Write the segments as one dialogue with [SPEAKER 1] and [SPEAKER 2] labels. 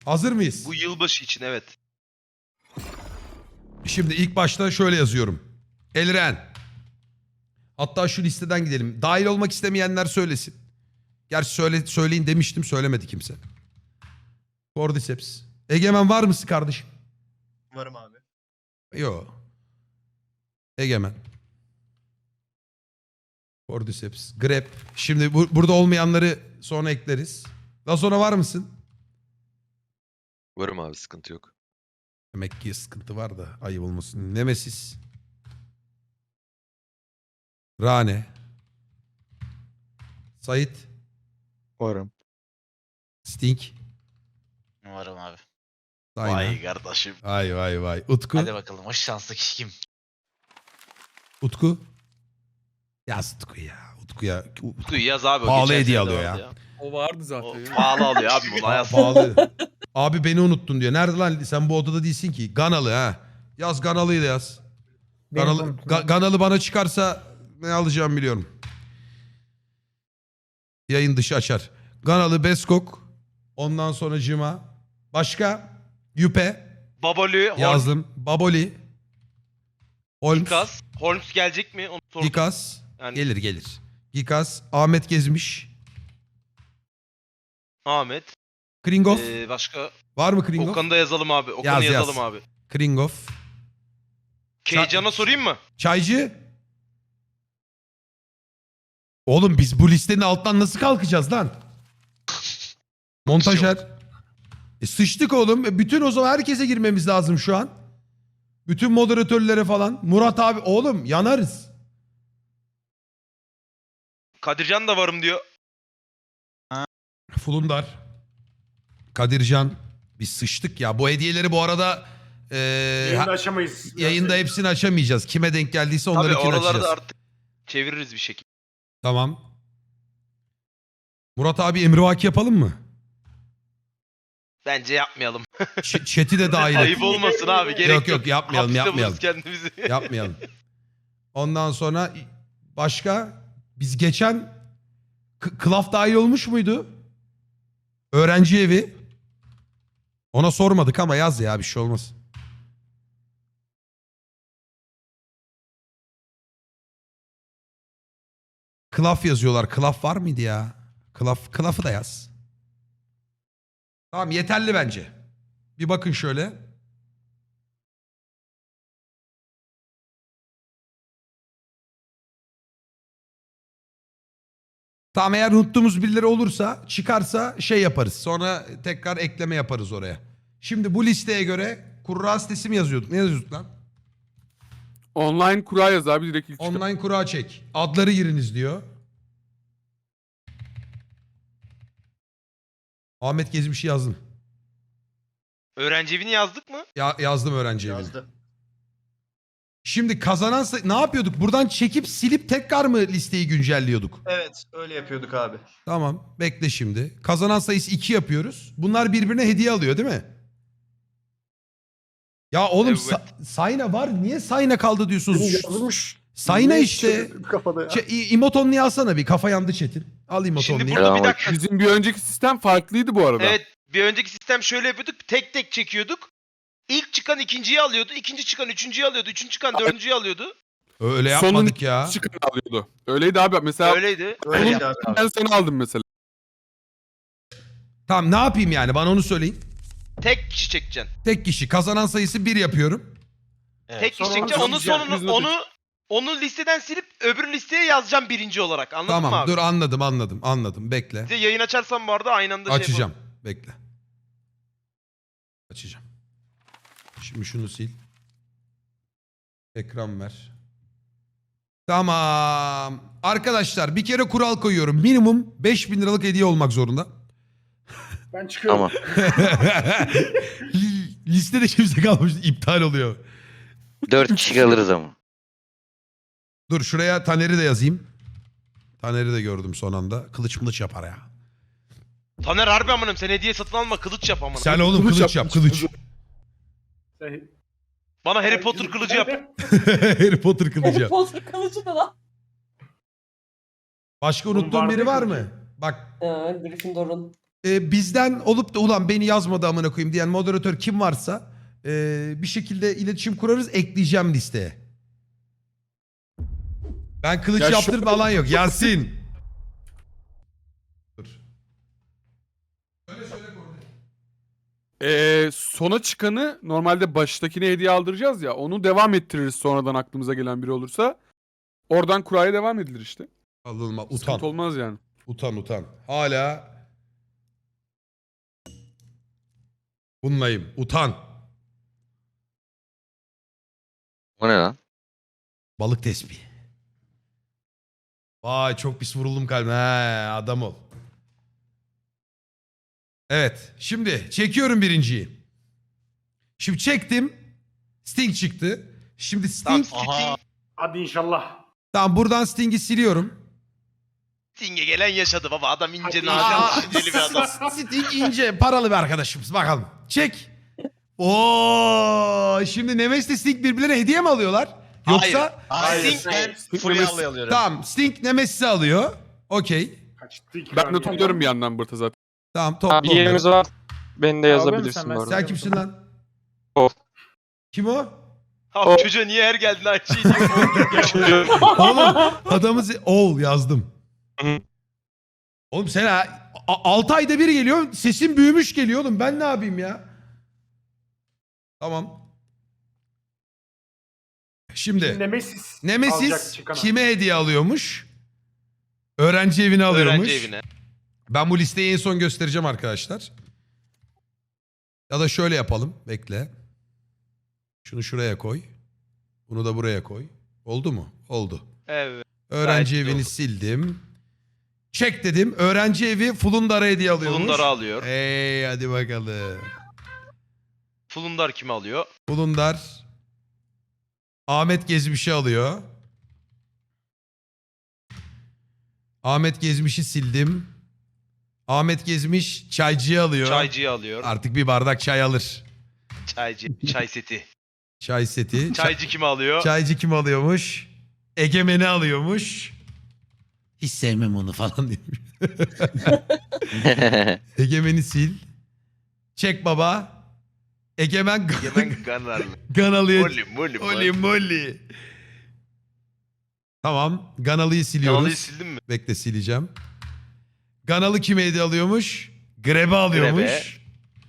[SPEAKER 1] Hazır mıyız?
[SPEAKER 2] Bu yılbaşı için evet.
[SPEAKER 1] Şimdi ilk başta şöyle yazıyorum. Elren. Hatta şu listeden gidelim. Dahil olmak istemeyenler söylesin. Gerçi söyleyin demiştim, söylemedi kimse. Cordyceps. Egemen var mısın kardeşim?
[SPEAKER 3] Varım abi.
[SPEAKER 1] Yo. Egemen. Cordyceps. Grep. Şimdi burada olmayanları sonra ekleriz. Daha sonra var mısın?
[SPEAKER 4] Varım abi, sıkıntı yok.
[SPEAKER 1] Demek ki sıkıntı var da ayıp olmasın. Nemesis. Rane. Sait.
[SPEAKER 5] Varım.
[SPEAKER 1] Sting.
[SPEAKER 6] Varım abi.
[SPEAKER 1] Aynen.
[SPEAKER 6] Vay kardeşim.
[SPEAKER 1] Vay vay vay. Utku.
[SPEAKER 6] Hadi bakalım o şanslı kişi kim?
[SPEAKER 1] Utku. Yaz Utku ya. Utku'ya.
[SPEAKER 2] Utku'yu yaz abi.
[SPEAKER 1] Pahalı
[SPEAKER 2] geçen
[SPEAKER 1] hediye
[SPEAKER 2] sene de
[SPEAKER 1] alıyor
[SPEAKER 2] vardı
[SPEAKER 1] ya.
[SPEAKER 7] O vardı
[SPEAKER 2] O
[SPEAKER 7] zaten. ya.
[SPEAKER 2] pahalı alıyor abi bunu yaz.
[SPEAKER 1] Pahalı. Abi beni unuttun diyor. Nerede lan? Sen bu odada değilsin ki. Ganalı ha. Yaz Ganalı'yı da yaz. Ganalı bana çıkarsa ne alacağımı biliyorum. Yayın dışı açar. Ganalı, Beskok. Ondan sonra Cima. Başka? Yüpe.
[SPEAKER 2] Baboli,
[SPEAKER 1] Yazdım. Baboli. Holmes.
[SPEAKER 2] Gikas. Holmes gelecek mi? Onu sordum.
[SPEAKER 1] Gikas.
[SPEAKER 2] Yani
[SPEAKER 1] Gelir. Gikas. Ahmet Gezmiş.
[SPEAKER 2] Ahmet.
[SPEAKER 1] Kringov.
[SPEAKER 2] Başka?
[SPEAKER 1] Var mı Kringov?
[SPEAKER 2] Okan'ı da yazalım abi. Okan'ı
[SPEAKER 1] Yaz.
[SPEAKER 2] yazalım abi.
[SPEAKER 1] Kringov.
[SPEAKER 2] Keycan'a sorayım mı?
[SPEAKER 1] Çaycı. Oğlum biz bu listenin altından nasıl kalkacağız lan? Montajer. Sıçtık oğlum. Bütün o zaman herkese girmemiz lazım şu an. Bütün moderatörlere falan. Murat abi oğlum yanarız.
[SPEAKER 2] Kadircan da varım diyor.
[SPEAKER 1] Fulundar. Kadircan. Biz sıçtık ya. Bu hediyeleri bu arada
[SPEAKER 3] Yayında aşamayız.
[SPEAKER 1] yayında hepsini açamayacağız. Kime denk geldiyse
[SPEAKER 2] Tabii
[SPEAKER 1] onlarınkini
[SPEAKER 2] oraları
[SPEAKER 1] açacağız.
[SPEAKER 2] da artık çeviririz bir şekilde.
[SPEAKER 1] Tamam. Murat abi emrivaki yapalım mı?
[SPEAKER 2] Bence yapmayalım.
[SPEAKER 1] Chat'i de dahil et.
[SPEAKER 2] Ayıp olmasın abi. Gerek
[SPEAKER 1] Yok, yapmayalım,
[SPEAKER 2] Hapiste
[SPEAKER 1] yapmayalım.
[SPEAKER 2] buluruz kendimizi.
[SPEAKER 1] Yapmayalım. Ondan sonra başka biz geçen Klaf dahil olmuş muydu? Öğrenci evi. Ona sormadık ama yaz ya bir şey olmaz. Klaf yazıyorlar. Klaf var mıydı ya? Klaf'ı da yaz. Tamam yeterli bence. Bir bakın şöyle. Tamam eğer unuttuğumuz birileri olursa çıkarsa şey yaparız. Sonra tekrar ekleme yaparız oraya. Şimdi bu listeye göre kurra sitesi mi yazıyorduk? Ne yazıyorduk lan?
[SPEAKER 7] Online kura yaz abi direkt ilk çıkan.
[SPEAKER 1] Online kura çek. Adları giriniz diyor. Ahmet Gezmiş'i yazdım.
[SPEAKER 2] Öğrenci evini yazdık mı?
[SPEAKER 1] Yazdım öğrenci evini.
[SPEAKER 3] Yazdı.
[SPEAKER 1] Şimdi kazanan ne yapıyorduk? Buradan çekip silip tekrar mı listeyi güncelliyorduk?
[SPEAKER 3] Evet öyle yapıyorduk abi.
[SPEAKER 1] Tamam bekle şimdi. Kazanan sayısı 2 yapıyoruz. Bunlar birbirine hediye alıyor değil mi? Ya oğlum
[SPEAKER 2] Evet.
[SPEAKER 1] Sayna var. Niye Sayna kaldı diyorsunuz?
[SPEAKER 5] Yazılmış.
[SPEAKER 1] Sayna işte.
[SPEAKER 5] Kafada ya.
[SPEAKER 1] İmotonlu'yu alsana bir. Kafa yandı Çetin. Al
[SPEAKER 2] Şimdi
[SPEAKER 1] İmotonlu'yu.
[SPEAKER 2] burada bir
[SPEAKER 4] Selam
[SPEAKER 2] dakika.
[SPEAKER 7] Bizim bir önceki sistem farklıydı bu arada.
[SPEAKER 2] Evet, bir önceki sistem şöyle yapıyorduk. Tek tek çekiyorduk. İlk çıkan ikinciyi alıyordu. İkinci çıkan üçüncüyü alıyordu. Üçüncü çıkan dördüncüyü alıyordu.
[SPEAKER 1] Öyle
[SPEAKER 7] Sonun
[SPEAKER 1] yapmadık ya.
[SPEAKER 7] çıkanı alıyordu. Öyleydi abi. Mesela
[SPEAKER 2] Öyleydi.
[SPEAKER 3] Öyleydi abi.
[SPEAKER 7] ben sana aldım mesela.
[SPEAKER 1] Tamam ne yapayım yani bana onu söyleyin.
[SPEAKER 2] Tek kişi çekeceksin.
[SPEAKER 1] Tek kişi kazanan sayısı 1 yapıyorum.
[SPEAKER 6] Evet.
[SPEAKER 2] Tek kişi
[SPEAKER 3] Sonra
[SPEAKER 2] çekeceksin. Onun
[SPEAKER 7] yazacağım,
[SPEAKER 2] sonunu
[SPEAKER 7] yüzüne
[SPEAKER 2] onu listeden silip öbür listeye yazacağım birinci olarak. Anladın mı
[SPEAKER 1] Tamam
[SPEAKER 2] abi?
[SPEAKER 1] dur anladım. Bekle.
[SPEAKER 2] Bir de yayın açarsan bu arada aynı anda şey
[SPEAKER 1] Açacağım. Bekle. Açacağım. Şimdi şunu sil. Ekran ver. Tamam. Arkadaşlar bir kere kural koyuyorum. Minimum 5.000 liralık hediye olmak zorunda.
[SPEAKER 3] Ben çıkıyorum.
[SPEAKER 4] Tamam.
[SPEAKER 1] Listede kimse kalmamış. İptal oluyor.
[SPEAKER 4] 4 kişi kalırız ama.
[SPEAKER 1] Dur şuraya Taner'i de yazayım. Taner'i de gördüm son anda. Kılıç yapar ya.
[SPEAKER 2] Taner harbi amınım sen hediye satın alma kılıç yap amına.
[SPEAKER 1] Sen oğlum kılıç yap kılıç.
[SPEAKER 2] Bana Harry Potter kılıcı yap.
[SPEAKER 1] Harry Potter kılıcı
[SPEAKER 8] Harry
[SPEAKER 1] yap.
[SPEAKER 8] Potter kılıcı da lan.
[SPEAKER 1] Başka
[SPEAKER 3] Oğlum
[SPEAKER 1] unuttuğun
[SPEAKER 3] vardı
[SPEAKER 1] biri var
[SPEAKER 3] kılıcı.
[SPEAKER 1] mı? Bak
[SPEAKER 8] Gryffindor'un.
[SPEAKER 1] bizden olup da ulan beni yazmadı amına koyayım diyen moderatör kim varsa bir şekilde iletişim kurarız, ekleyeceğim listeye. Ben kılıç
[SPEAKER 7] Ya
[SPEAKER 1] yaptır falan yok. Yasin. Dur.
[SPEAKER 7] Sona çıkanı normalde baştakine hediye aldıracağız ya. Onu devam ettiririz sonradan aklımıza gelen biri olursa. Oradan kuraya devam edilir işte.
[SPEAKER 1] Alınma. Utan.
[SPEAKER 7] Sıkıntı olmaz yani.
[SPEAKER 1] Utan. Hala bunlayım. Utan.
[SPEAKER 4] O ne lan?
[SPEAKER 1] Balık tespihi. Vay çok pis vuruldum kalbime. He, adam ol. Evet. Şimdi çekiyorum birinciyi. Şimdi çektim. Sting çıktı. Şimdi
[SPEAKER 2] Tamam,
[SPEAKER 1] Sting...
[SPEAKER 2] Sting,
[SPEAKER 3] Hadi inşallah.
[SPEAKER 1] Tamam buradan Sting'i siliyorum.
[SPEAKER 2] Sting'e gelen yaşadı baba. Adam ince
[SPEAKER 3] Hadi
[SPEAKER 2] nadir,
[SPEAKER 1] Aa,
[SPEAKER 2] düşünceli bir adam.
[SPEAKER 1] Sting ince paralı bir arkadaşımız. Bakalım. Çek. Oo, şimdi Nemes'le Sting birbirlerine hediye mi alıyorlar? Yoksa
[SPEAKER 6] Hayır.
[SPEAKER 2] Sting-
[SPEAKER 6] Ben
[SPEAKER 7] Sting
[SPEAKER 6] Furya'yı
[SPEAKER 7] Nemesis-
[SPEAKER 6] alıyorum.
[SPEAKER 1] tamam Sting Nemesis'i alıyor. Okey.
[SPEAKER 3] Kaçtı iki
[SPEAKER 7] Ben de
[SPEAKER 3] tane.
[SPEAKER 7] topluyorum bir yandan Bırta zaten.
[SPEAKER 1] Tamam topla
[SPEAKER 5] Abi
[SPEAKER 1] onları.
[SPEAKER 5] yerimiz var. Beni de
[SPEAKER 8] Abi
[SPEAKER 5] yazabilirsin
[SPEAKER 8] sen
[SPEAKER 5] bu arada.
[SPEAKER 1] Sen kimsin lan?
[SPEAKER 5] O.
[SPEAKER 1] Kim o?
[SPEAKER 2] Abi çocuğa niye her geldin aynı şeyi diyor.
[SPEAKER 1] Oğlum adamı oğul yazdım.
[SPEAKER 5] Hı.
[SPEAKER 1] Oğlum sen 6 ayda bir geliyor. Sesin büyümüş geliyor oğlum. Ben ne yapayım ya? Tamam. Şimdi
[SPEAKER 3] Nemesis. alacak
[SPEAKER 1] Nemesis
[SPEAKER 3] çıkana.
[SPEAKER 1] kime hediye alıyormuş? Öğrenci evine alıyormuş.
[SPEAKER 2] Öğrenci evine.
[SPEAKER 1] Ben bu listeyi en son göstereceğim arkadaşlar. Ya da şöyle yapalım. Bekle. Şunu şuraya koy. Bunu da buraya koy. Oldu mu? Oldu.
[SPEAKER 2] Evet.
[SPEAKER 1] Öğrenci
[SPEAKER 2] Gayet iyi
[SPEAKER 1] evini
[SPEAKER 2] oldu.
[SPEAKER 1] sildim. Çek dedim. Öğrenci evi Fulundar'a hediye alıyormuş.
[SPEAKER 2] Fulundar'ı alıyor.
[SPEAKER 1] Hey hadi bakalım.
[SPEAKER 2] Fulundar kimi alıyor?
[SPEAKER 1] Fulundar. Ahmet Gezmiş'i alıyor. Ahmet Gezmiş'i sildim. Ahmet Gezmiş çaycıyı alıyor.
[SPEAKER 2] Çaycıyı alıyor.
[SPEAKER 1] Artık bir bardak çay alır.
[SPEAKER 2] Çay seti.
[SPEAKER 1] Çay seti.
[SPEAKER 2] Çaycı kimi alıyor?
[SPEAKER 1] Çaycı kim alıyormuş? Egemen'i alıyormuş. Hiç sevmem onu falan demiş. Egemen'i sil. Çek baba. Egemen
[SPEAKER 2] Yemen Ganarlı.
[SPEAKER 1] Gan alıyor.
[SPEAKER 2] Molly.
[SPEAKER 1] Oli molly. Tamam. Ganalı'yı siliyoruz.
[SPEAKER 2] Kanalıyı sildin mi?
[SPEAKER 1] Bekle sileceğim. Ganalı kime hediye alıyormuş? Greb'e alıyormuş.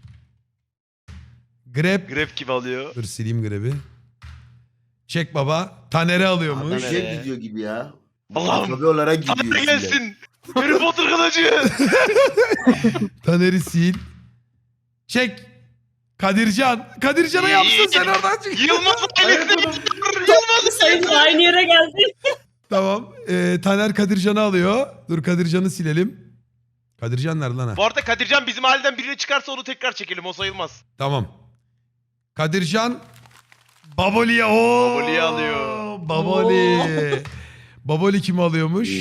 [SPEAKER 1] Greb.
[SPEAKER 2] Grab kimi alıyor?
[SPEAKER 1] Dur sileyim Greb'i. Çek baba. Taner'e alıyormuş.
[SPEAKER 2] Taner'e.
[SPEAKER 9] Şey gidiyor gibi ya.
[SPEAKER 2] Allah'ım.
[SPEAKER 9] Tabii olarak gidiyor.
[SPEAKER 2] Tanrı
[SPEAKER 9] içinden.
[SPEAKER 2] gelsin. Harry Potter kılıcı.
[SPEAKER 1] Taner'i sil. Çek. Kadircan. Kadircan'a yapsın sen oradan çık.
[SPEAKER 2] Yılmaz ailesine Yılmaz
[SPEAKER 10] Sayın aynı yere geldi.
[SPEAKER 1] Tamam. Taner Kadircan'ı alıyor. Dur Kadircan'ı silelim. Kadircan nerede lan ha?
[SPEAKER 2] Bu arada Kadircan bizim aileden birini çıkarsa onu tekrar çekelim. O sayılmaz.
[SPEAKER 1] Tamam. Kadircan Baboli'ye o.
[SPEAKER 2] Baboli'yi alıyor.
[SPEAKER 1] Baboli. Baboli kimi alıyormuş?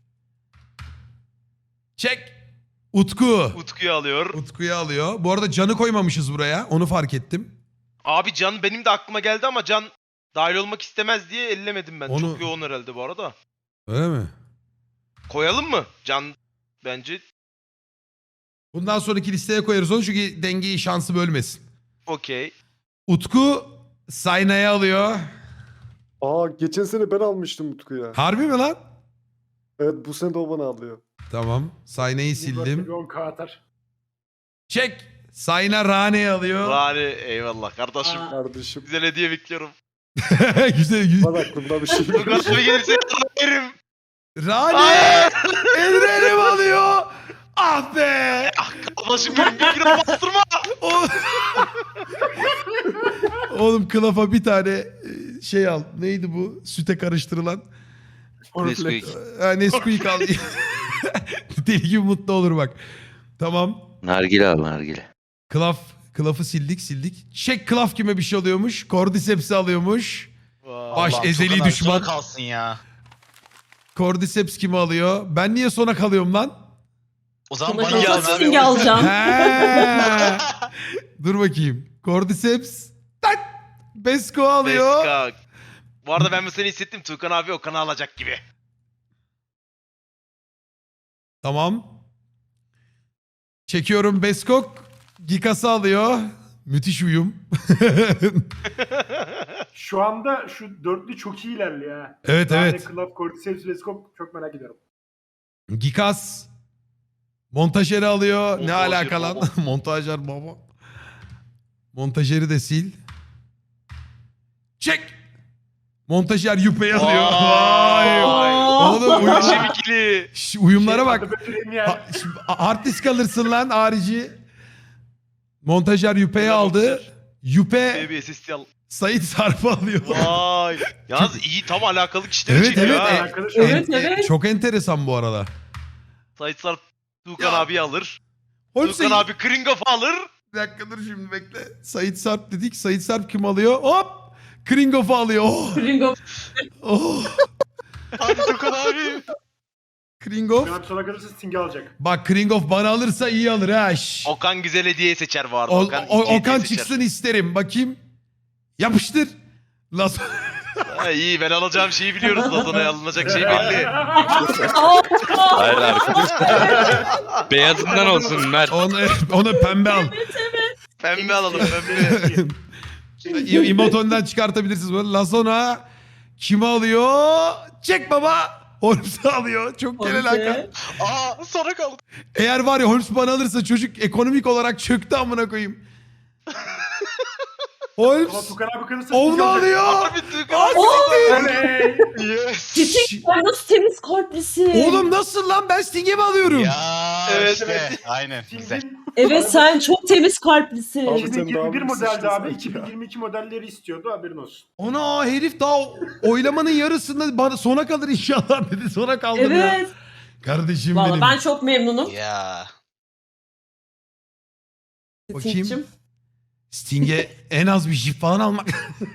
[SPEAKER 1] Çek. Utku.
[SPEAKER 2] Utku'yu alıyor.
[SPEAKER 1] Utku'yu alıyor. Bu arada Can'ı koymamışız buraya. Onu fark ettim.
[SPEAKER 2] Abi Can benim de aklıma geldi ama Can dahil olmak istemez diye ellemedim ben.
[SPEAKER 1] Onu-
[SPEAKER 2] Çok yoğun herhalde bu arada.
[SPEAKER 1] Öyle mi?
[SPEAKER 2] Koyalım mı? Can bence
[SPEAKER 1] Bundan sonraki listeye koyarız onu çünkü dengeyi şansı bölmesin.
[SPEAKER 2] okey.
[SPEAKER 1] Utku Sayna'yı alıyor.
[SPEAKER 8] Aa geçen sene ben almıştım Utku'ya.
[SPEAKER 1] Harbi mi lan?
[SPEAKER 8] Evet bu sene de o bana alıyor.
[SPEAKER 1] Tamam. Sayna'yı sildim.
[SPEAKER 3] Bir 10k atar.
[SPEAKER 1] Çek. Sayna Rane'yi alıyor.
[SPEAKER 2] Rani eyvallah kardeşim.
[SPEAKER 10] Aa.
[SPEAKER 8] Kardeşim
[SPEAKER 2] Güzel hediye bekliyorum.
[SPEAKER 1] güzel.
[SPEAKER 8] bana aklımda bir şey yok.
[SPEAKER 2] Burgasıma gelirse yerim.
[SPEAKER 1] Rane Elrerim alıyor. Ah be.
[SPEAKER 2] Kardeşim benim bir kere bastırma.
[SPEAKER 1] O- Oğlum kılafa bir tane şey al. Neydi bu? Süte karıştırılan.
[SPEAKER 4] Nesquik.
[SPEAKER 1] Nesquik al. Deli gibi mutlu olur bak. Tamam.
[SPEAKER 4] Nargile al nargile.
[SPEAKER 1] Klaf'ı sildik. Çek Klaf kime bir şey alıyormuş. Cordyceps'i alıyormuş. Baş
[SPEAKER 6] Allah'ım,
[SPEAKER 1] ezeli
[SPEAKER 6] çok kadar
[SPEAKER 1] düşman.
[SPEAKER 6] sona kalsın ya.
[SPEAKER 1] Cordyceps kimi alıyor? Ben niye sona kalıyorum lan?
[SPEAKER 6] O zaman
[SPEAKER 10] Bana
[SPEAKER 6] bana
[SPEAKER 10] kalsa
[SPEAKER 6] yaz abi.
[SPEAKER 10] Sting'i alacağım.
[SPEAKER 1] He. Dur bakayım. Cordyceps. Tak. Besko alıyor.
[SPEAKER 2] Beska. Bu arada ben bu seni hissettim. Tuğkan abi Okan'ı alacak gibi.
[SPEAKER 1] Tamam. Çekiyorum Beskok. Gikas'ı alıyor. Müthiş uyum.
[SPEAKER 3] Şu anda şu dörtlü çok iyi ilerliyor ha.
[SPEAKER 1] Evet,
[SPEAKER 3] Yani
[SPEAKER 1] evet.
[SPEAKER 3] Club, Cordyceps, Veskop çok merak ediyorum.
[SPEAKER 1] Gikas. Montajeri alıyor. Ne
[SPEAKER 2] Montajer
[SPEAKER 1] alaka lan?
[SPEAKER 2] baba.
[SPEAKER 1] Montajer baba. Montajeri de sil. Çek. Montajer Yüpe'yi alıyor. Vay. Oğlum
[SPEAKER 2] Muhteşem ikili.
[SPEAKER 1] uyumlara bak.
[SPEAKER 3] Adı Bötüreyim ya.
[SPEAKER 1] Şimdi hard disk alırsın lan harici. Montajer Yüpe'yi
[SPEAKER 2] Selam
[SPEAKER 1] aldı.
[SPEAKER 2] montajer.
[SPEAKER 1] Yüpe
[SPEAKER 2] Baby SSD al.
[SPEAKER 1] Sait Sarp'ı alıyor.
[SPEAKER 2] Vay. Yalnız iyi tam alakalı kişileri
[SPEAKER 1] Evet,
[SPEAKER 2] çekiyor
[SPEAKER 1] evet.
[SPEAKER 2] ha.
[SPEAKER 3] Arkadaş şu an-
[SPEAKER 9] Evet, evet.
[SPEAKER 1] Çok enteresan bu arada.
[SPEAKER 2] Sait Sarp Tuğkan
[SPEAKER 1] Ya.
[SPEAKER 2] abi alır.
[SPEAKER 1] Oğlum
[SPEAKER 2] Tuğkan abi Kringoff'u alır.
[SPEAKER 1] Bir dakika dur şimdi bekle. Sait Sarp dedik. Sait Sarp kim alıyor? Hop! Kringoff'u alıyor. Oh!
[SPEAKER 9] Ringo.
[SPEAKER 1] Oh!
[SPEAKER 2] Hadi Tuğkan abi.
[SPEAKER 1] Kringoff.
[SPEAKER 3] Şu an sona kalırsa Sting'i alacak.
[SPEAKER 1] Bak Kringoff bana alırsa iyi alır ha. Şş.
[SPEAKER 2] Okan güzel hediye seçer bu arada.
[SPEAKER 1] Okan
[SPEAKER 2] hediye seçer.
[SPEAKER 1] çıksın isterim. Bakayım. Yapıştır. Las
[SPEAKER 2] Ha, iyi ben alacağım şeyi biliyoruz. Lazona'ya alınacak şey belli.
[SPEAKER 5] Hayır arkadaşlar. Beyazından olsun Mert.
[SPEAKER 1] ona pembe al.
[SPEAKER 2] Pembe alalım pembe.
[SPEAKER 1] İmoton'dan çıkartabilirsiniz. Böyle Lazona kimi alıyor? Çek baba. Holmes'u alıyor. Çok genel hakan.
[SPEAKER 2] Aa sonra kaldı.
[SPEAKER 1] Eğer var ya Holmes bana alırsa çocuk ekonomik olarak çöktü amına koyayım.
[SPEAKER 3] Ama
[SPEAKER 1] Holmes
[SPEAKER 3] Tukan abi kalırsa
[SPEAKER 1] onu
[SPEAKER 3] Sting'i alacak.
[SPEAKER 1] alıyor.
[SPEAKER 2] Abi Tuğkan abi.
[SPEAKER 3] Oley!
[SPEAKER 2] Yes.
[SPEAKER 9] Gerçekten nasıl temiz kalplisin.
[SPEAKER 1] Oğlum nasıl lan ben Sting'e mi alıyorum?
[SPEAKER 6] Ya
[SPEAKER 2] Evet,
[SPEAKER 6] işte
[SPEAKER 2] evet.
[SPEAKER 6] aynen güzel.
[SPEAKER 3] Sting'in
[SPEAKER 9] Evet sen çok temiz kalplisin.
[SPEAKER 8] Abi sen daha
[SPEAKER 3] 2021
[SPEAKER 8] büyük
[SPEAKER 3] modeldi
[SPEAKER 8] sıçtın
[SPEAKER 3] abi.
[SPEAKER 8] sanki ya.
[SPEAKER 3] 2022 modelleri istiyordu haberin olsun.
[SPEAKER 1] Ona herif daha oylamanın yarısında bana sona kalır inşallah dedi. Sona kaldım ya.
[SPEAKER 9] Evet.
[SPEAKER 1] Kardeşim
[SPEAKER 9] Valla
[SPEAKER 1] benim.
[SPEAKER 9] ben çok memnunum.
[SPEAKER 6] Ya.
[SPEAKER 1] Bakayım.
[SPEAKER 9] Sting'cim.
[SPEAKER 1] Sting'e en az bir jip falan almak.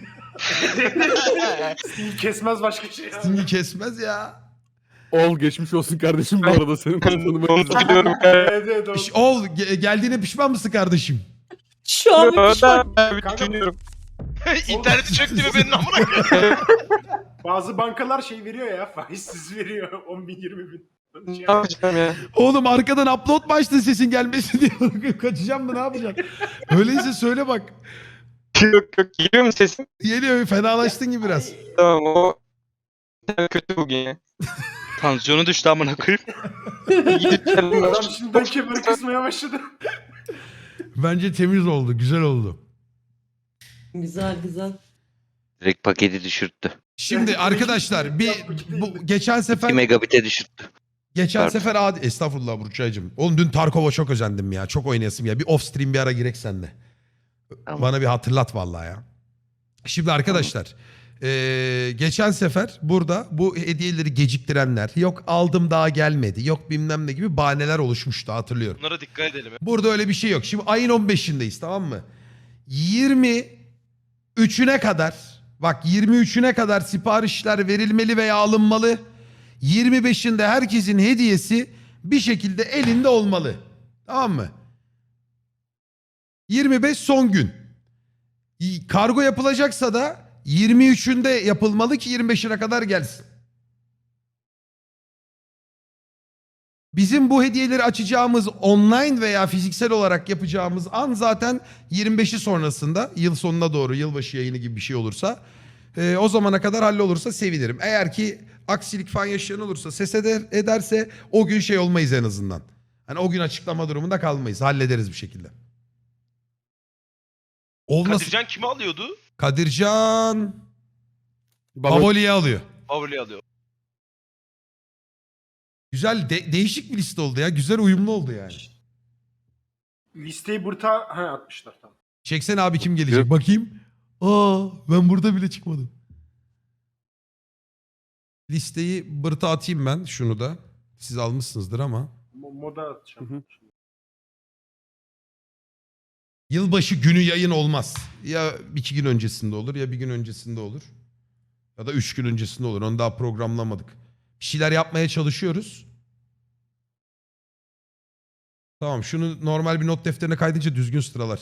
[SPEAKER 3] Sting kesmez başka şey. ya.
[SPEAKER 1] Sting'i kesmez ya.
[SPEAKER 7] Ol geçmiş olsun kardeşim bu arada senin tanımayı.
[SPEAKER 5] Onu biliyorum.
[SPEAKER 3] Evet evet o.
[SPEAKER 1] Ol geldiğine pişman mısın kardeşim?
[SPEAKER 9] Şu an bir pişman.
[SPEAKER 5] Ben bir düşünüyorum.
[SPEAKER 2] İnterneti çöktü mü benim amına koyayım?
[SPEAKER 3] Bazı bankalar şey veriyor ya faizsiz veriyor 10 bin 20 bin.
[SPEAKER 5] Ne yapacağım ya?
[SPEAKER 1] Oğlum arkadan upload mu açtın sesin gelmesin diye. Kaçacağım mı ne yapacaksın? Öyleyse söyle bak.
[SPEAKER 5] Yok yok geliyor mu sesim?
[SPEAKER 1] Geliyor fenalaştın gibi biraz.
[SPEAKER 5] Tamam o kötü bugün ya.
[SPEAKER 4] Tansiyonu düştü amına koyayım.
[SPEAKER 3] Adam şimdiden kemer kısmaya başladı.
[SPEAKER 1] Bence temiz oldu güzel oldu.
[SPEAKER 9] Güzel güzel.
[SPEAKER 4] Direkt paketi düşürttü.
[SPEAKER 1] Şimdi arkadaşlar bu geçen
[SPEAKER 4] 2
[SPEAKER 1] sefer
[SPEAKER 4] megabit'e düşürttü.
[SPEAKER 1] geçen
[SPEAKER 4] Pardon.
[SPEAKER 1] sefer estağfurullah Burçaycığım. Oğlum dün Tarkov'a çok özendim ya. Çok oynayasım ya. Bir off stream bir ara girek senle.
[SPEAKER 4] Tamam.
[SPEAKER 1] Bana bir hatırlat vallahi ya. Şimdi arkadaşlar geçen sefer burada bu hediyeleri geciktirenler yok aldım daha gelmedi yok bilmem ne gibi bahaneler oluşmuştu hatırlıyorum.
[SPEAKER 2] Bunlara dikkat edelim.
[SPEAKER 1] Burada öyle bir şey yok. Şimdi ayın 15'indeyiz tamam mı? 23'üne kadar bak 23'üne kadar siparişler verilmeli veya alınmalı. 25'inde herkesin hediyesi bir şekilde elinde olmalı. Tamam mı? 25 son gün. Kargo yapılacaksa da 23'ünde yapılmalı ki 25'ine kadar gelsin. Bizim bu hediyeleri açacağımız online veya fiziksel olarak yapacağımız an zaten 25'i sonrasında yıl sonuna doğru yılbaşı yayını gibi bir şey olursa o zamana kadar hallolursa sevinirim. Eğer ki aksilik falan yaşayan olursa ses ederse o gün şey olmayız en azından. Hani o gün açıklama durumunda kalmayız. Hallederiz bir şekilde. Olmasın.
[SPEAKER 2] Kadircan kimi alıyordu?
[SPEAKER 1] Kadircan
[SPEAKER 7] Baba,
[SPEAKER 1] Baboli'yi alıyor.
[SPEAKER 2] Favori alıyor.
[SPEAKER 1] Güzel değişik bir liste oldu ya. Güzel uyumlu oldu yani.
[SPEAKER 3] Listeyi burta atmışlar tamam.
[SPEAKER 1] Çeksene abi kim gelecek bakayım. Aa ben burada bile çıkmadım. Listeyi bırta atayım ben şunu da. Siz almışsınızdır ama.
[SPEAKER 3] Moda atacağım.
[SPEAKER 7] Hı hı.
[SPEAKER 1] Yılbaşı günü yayın olmaz. Ya 2 gün öncesinde olur ya bir gün öncesinde olur. Ya da 3 gün öncesinde olur. Onu daha programlamadık. Bir şeyler yapmaya çalışıyoruz. Tamam şunu normal bir not defterine kaydınca düzgün sıralar.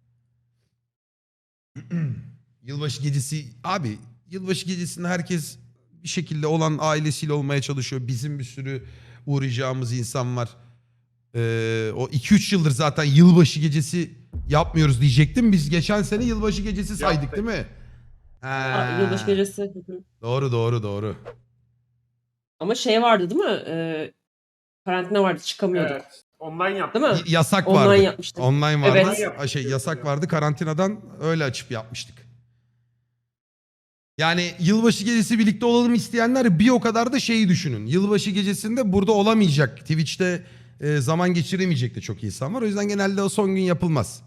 [SPEAKER 1] Yılbaşı gecesi abi yılbaşı gecesinde herkes bir şekilde olan ailesiyle olmaya çalışıyor. Bizim bir sürü uğrayacağımız insan var. O 2-3 yıldır zaten yılbaşı gecesi yapmıyoruz diyecektim. Biz geçen sene yılbaşı gecesi saydık
[SPEAKER 3] Yaptık.
[SPEAKER 1] değil mi?
[SPEAKER 9] Aa, yılbaşı gecesi. Hı hı.
[SPEAKER 1] Doğru.
[SPEAKER 9] Ama şey vardı değil mi? Karantina vardı, çıkamıyorduk.
[SPEAKER 3] Evet. Online yaptık.
[SPEAKER 9] Değil mi?
[SPEAKER 1] Yasak
[SPEAKER 9] Online
[SPEAKER 1] vardı.
[SPEAKER 9] yapmıştık.
[SPEAKER 1] Online vardı.
[SPEAKER 9] Evet.
[SPEAKER 1] Yasak vardı. Karantinadan öyle açıp yapmıştık. Yani yılbaşı gecesi birlikte olalım isteyenler bir o kadar da şeyi düşünün. Yılbaşı gecesinde burada olamayacak. Twitch'te zaman geçiremeyecek de çok insan var. O yüzden genelde o son gün yapılmaz.